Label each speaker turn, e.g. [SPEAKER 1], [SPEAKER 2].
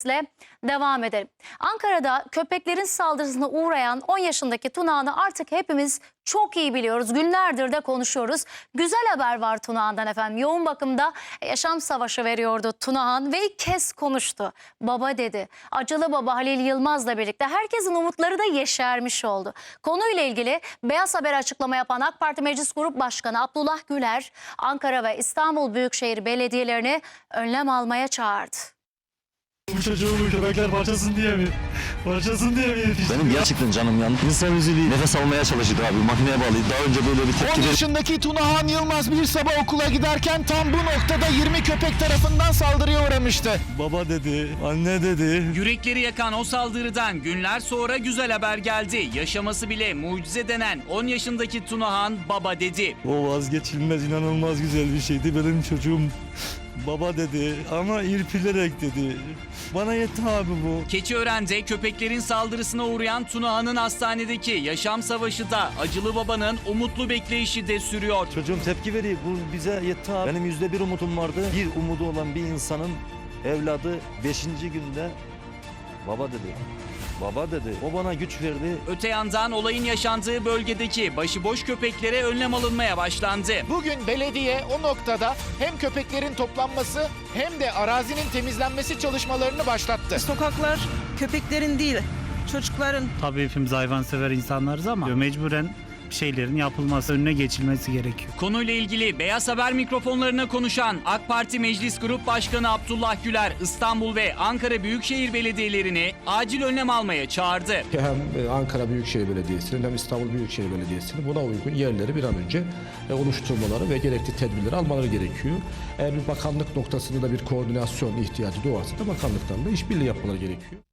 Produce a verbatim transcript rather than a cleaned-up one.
[SPEAKER 1] ile devam edelim. Ankara'da köpeklerin saldırısına uğrayan on yaşındaki Tunağan'ı artık hepimiz çok iyi biliyoruz. Günlerdir de konuşuyoruz. Güzel haber var Tunağan'dan efendim. Yoğun bakımda yaşam savaşı veriyordu Tunağan ve ilk kez konuştu. Baba dedi. Acılı baba Halil Yılmaz'la birlikte herkesin umutları da yeşermiş oldu. Konuyla ilgili Beyaz Haber açıklama yapan AK Parti Meclis Grup Başkanı Abdullah Güler, Ankara ve İstanbul Büyükşehir Belediyelerini önlem almaya çağırdı.
[SPEAKER 2] Bu çocuğumu köpekler parçasın diye mi? Parçasın diye mi yetişti?
[SPEAKER 3] Benim gerçekten canım yandı. İnsan üzülüyor. Nefes almaya çalışıyordu abi. Makineye bağlıydı. Daha önce böyle bir tepki
[SPEAKER 4] on yaşındaki Tunağan Yılmaz bir sabah okula giderken tam bu noktada yirmi köpek tarafından saldırıya uğramıştı.
[SPEAKER 2] Baba dedi, anne dedi.
[SPEAKER 5] Yürekleri yakan o saldırıdan günler sonra güzel haber geldi. Yaşaması bile mucize denen on yaşındaki Tunağan baba dedi.
[SPEAKER 2] O vazgeçilmez, inanılmaz güzel bir şeydi. Benim çocuğum baba dedi ama irpilerek dedi. Bana yetti abi bu.
[SPEAKER 5] Keçiören'de köpeklerin saldırısına uğrayan Tunağan'ın hastanedeki yaşam savaşı da acılı babanın umutlu bekleyişi de sürüyor.
[SPEAKER 2] Çocuğum tepki veriyor. Bu bize yetti abi. Benim yüzde bir umudum vardı. Bir umudu olan bir insanın evladı beşinci günde baba dedi. Baba dedi. O bana güç verdi.
[SPEAKER 5] Öte yandan olayın yaşandığı bölgedeki başıboş köpeklere önlem alınmaya başlandı.
[SPEAKER 4] Bugün belediye o noktada hem köpeklerin toplanması hem de arazinin temizlenmesi çalışmalarını başlattı.
[SPEAKER 6] Sokaklar köpeklerin değil, çocukların.
[SPEAKER 7] Tabii hepimiz hayvansever insanlarız ama mecburen bir şeylerin yapılması, önüne geçilmesi gerekiyor.
[SPEAKER 5] Konuyla ilgili Beyaz Haber mikrofonlarına konuşan AK Parti Meclis Grup Başkanı Abdullah Güler, İstanbul ve Ankara Büyükşehir Belediyelerini acil önlem almaya çağırdı.
[SPEAKER 8] Hem Ankara Büyükşehir Belediyesi'nin hem İstanbul Büyükşehir Belediyesi'nin buna uygun yerleri bir an önce oluşturmaları ve gerekli tedbirleri almaları gerekiyor. Eğer bir bakanlık noktasında da bir koordinasyon ihtiyacı doğarsa da bakanlıktan da işbirliği yapmaları gerekiyor.